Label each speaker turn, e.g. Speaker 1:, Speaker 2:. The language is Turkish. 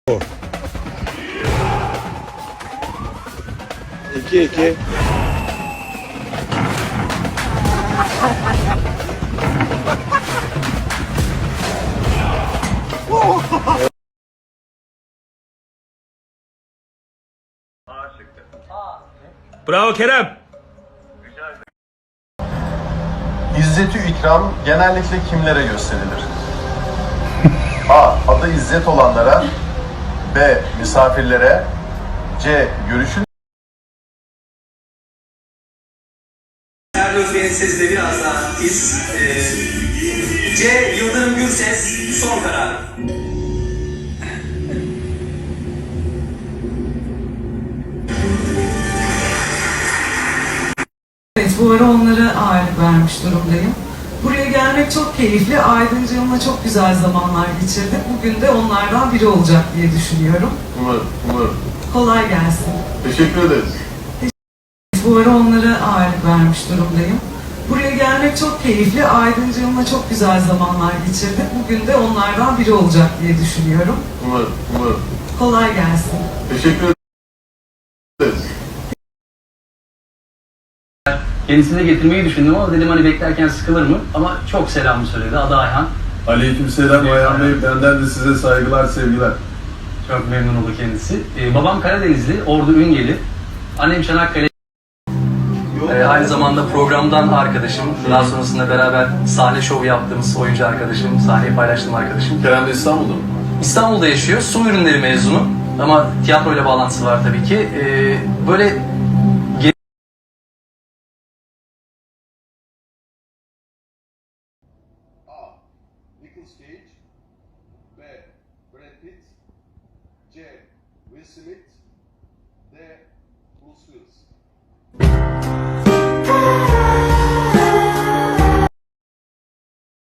Speaker 1: 2-2.
Speaker 2: Bravo Kerem.
Speaker 3: İzzet-ü ikram genellikle kimlere gösterilir? A. Adı İzzet olanlara. B. Misafirlere. C. Görüşün.
Speaker 4: Serdar Bey'in sesi de biraz daha tiz. C. Yıldırım Gürses son karar.
Speaker 5: Evet, bu ara onlara ağırlık vermiş durumdayım. Buraya gelmek çok keyifli. Aydıncığımla çok güzel zamanlar geçirdik. Bugün de onlardan biri olacak diye düşünüyorum.
Speaker 3: Umarım.
Speaker 5: Kolay gelsin.
Speaker 3: Teşekkür ederiz.
Speaker 5: Bu ara onlara ağırlık vermiş durumdayım. Buraya gelmek çok keyifli. Aydıncığımla çok güzel zamanlar geçirdik. Bugün de onlardan biri olacak diye düşünüyorum.
Speaker 3: Umarım.
Speaker 5: Kolay gelsin.
Speaker 3: Teşekkür ederiz.
Speaker 6: Kendisini de getirmeyi düşündüm ama dedim hani beklerken sıkılır mı? Ama çok selamı söyledi. Adı Ayhan.
Speaker 3: Aleykümselam Ayhan Bey. Benden de size saygılar, sevgiler.
Speaker 6: Çok memnun oldu kendisi. Babam Karadenizli, Ordu Üngeli. Annem Çanakkale. Aynı zamanda programdan arkadaşım. Daha sonrasında beraber sahne şovu yaptığımız oyuncu arkadaşım, sahneyi paylaştığım arkadaşım.
Speaker 3: Kerem de İstanbul'da mı?
Speaker 6: İstanbul'da yaşıyor. Su ürünleri mezunu. Ama tiyatroyla bağlantısı var tabii ki. Böyle
Speaker 3: A. Nicolas Cage. B. Brad Pitt. C. Will Smith.